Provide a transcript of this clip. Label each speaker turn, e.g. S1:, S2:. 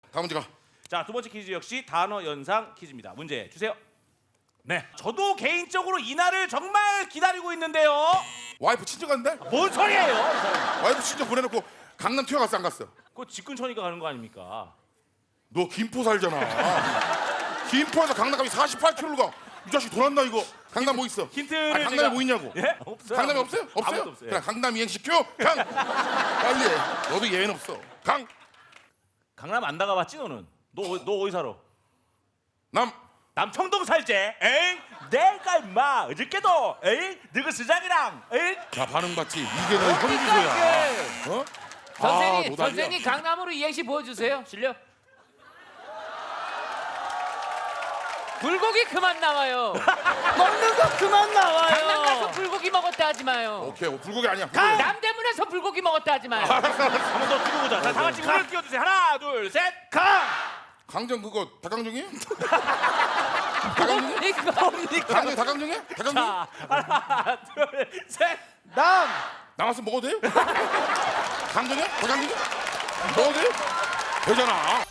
S1: 다음 문제 가.
S2: 자, 두 번째 퀴즈 역시 단어 연상 퀴즈입니다. 문제 주세요. 네, 저도 개인적으로 이날을 정말 기다리고 있는데요.
S1: 와이프 친정 갔는데?
S2: 뭔 소리예요?
S1: 와이프 친정 보내놓고 강남 튀어갔어 안 갔어?
S2: 그거 집 근처니까 가는 거 아닙니까?
S1: 너 김포 살잖아. 김포에서 강남 가면 48km를 가. 이 자식 돌았나 이거? 강남 뭐 있어?
S2: 힌트를
S1: 아니, 강남에 뭐 있냐고?
S2: 예? 없어요.
S1: 강남에 없어요? 없어요?
S2: 아무것도 없어요.
S1: 그냥 강남 이행시켜. 강. 빨리 해. 너도 예외는 없어. 강.
S2: 강남 안 나가봤지 너는? 너 어디 살아?
S1: 남.
S2: 남청동 살제. 에잉? 내가 임마 어저께도 에잉? 너그 시장이랑 에잉?
S1: 자 반응 봤지? 이게 너 현기소야. 어?
S3: 선생님,
S1: 노답이야.
S3: 선생님 강남으로 이행시 보여주세요. 실력. 불고기 그만 나와요.
S4: 먹는 거 그만 나와요.
S3: 강남 가서 불고기 먹었다 하지 마요.
S1: 오케이 불고기 아니야.
S3: 남대문에서 불고기 먹었다 하지 마요.
S2: 한 번 더 두고 보자. 자, 다 같이 물을 띄워주세요. 하나, 둘, 셋.
S4: 강.
S1: 강정 그거 닭강정이에요?
S3: 뭡니까?
S1: 강정 닭강정이야? 닭강정?
S2: 자, 하나, 둘, 셋.
S4: 남.
S1: 나왔으면 먹어도 돼요? 강정이야? 닭강정이야? 먹어도 돼요? 되잖아.